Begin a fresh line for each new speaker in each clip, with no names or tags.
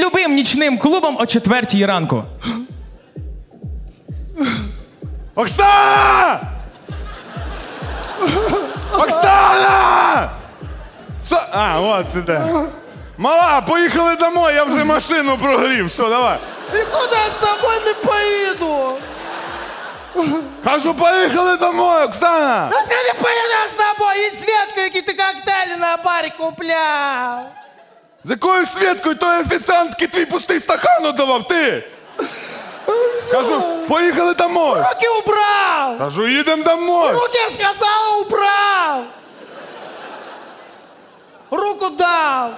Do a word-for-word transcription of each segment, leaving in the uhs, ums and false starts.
любим нічним клубом о четвертій ранку.
Оксана! Оксана! Що? А, от ти де. Мала, поїхали домой, я вже машину прогрів. Все, давай.
Нікуди я з тобою не поїду.
Кажу, поїхали домой, Оксана!
А я не поїду з тобою, їдь Светку, які ти коктейлі на барі купляв.
З якою Свєткою той офіціантки твій пустий стакан давав, ти? Кажу, поїхали домой.
Руки убрав.
Кажу, їдемо домой.
Руки, я сказала, убрав. Руку дав.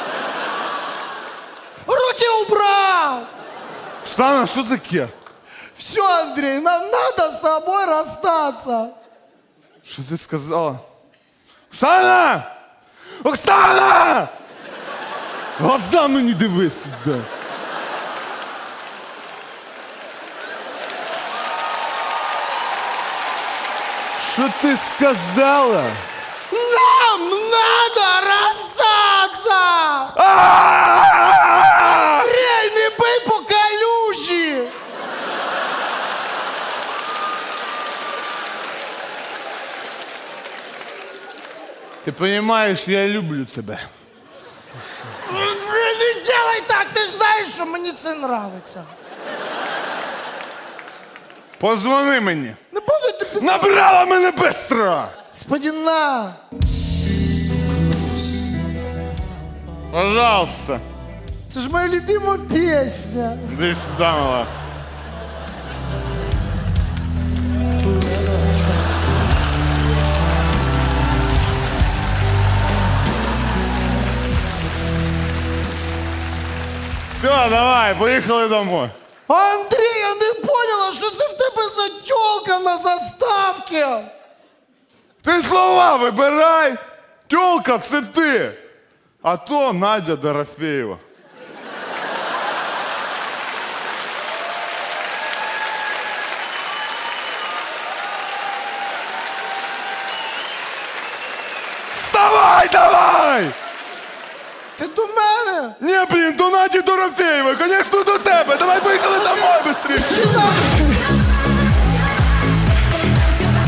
Руки убрав.
Оксана, що таке?
Все, Андрей, нам надо с тобой расстаться.
Що ти сказала? Оксана! Оксана! Глаза мені дивись сюди. Що ти сказала?
Нам надо расстаться!
А-а-а!
Андрей, не бий по калюжі!
Ти розумієш, я люблю тебе.
Андрей, не делай так, ти ж знаєш, що мені це нравиться.
Позвони мені.
Не буду ти писати.
Набрала мене бистро!
Господи, на!
Пожалуйста.
Це ж моя любима пісня.
Іди сюди, мала. Все, давай, поїхали домой.
Андрій, я не поняла, що це в тебе за тёлка на заставці.
Ти слова вибирай. Тьолка, це ти. А то Надя Дорофеєва. Вставай, давай!
Ти до мене?
Ні, блін, до Наді Дорофеєвої, звісно, до тебе. Давай поїхали домой швидше.
Чи так?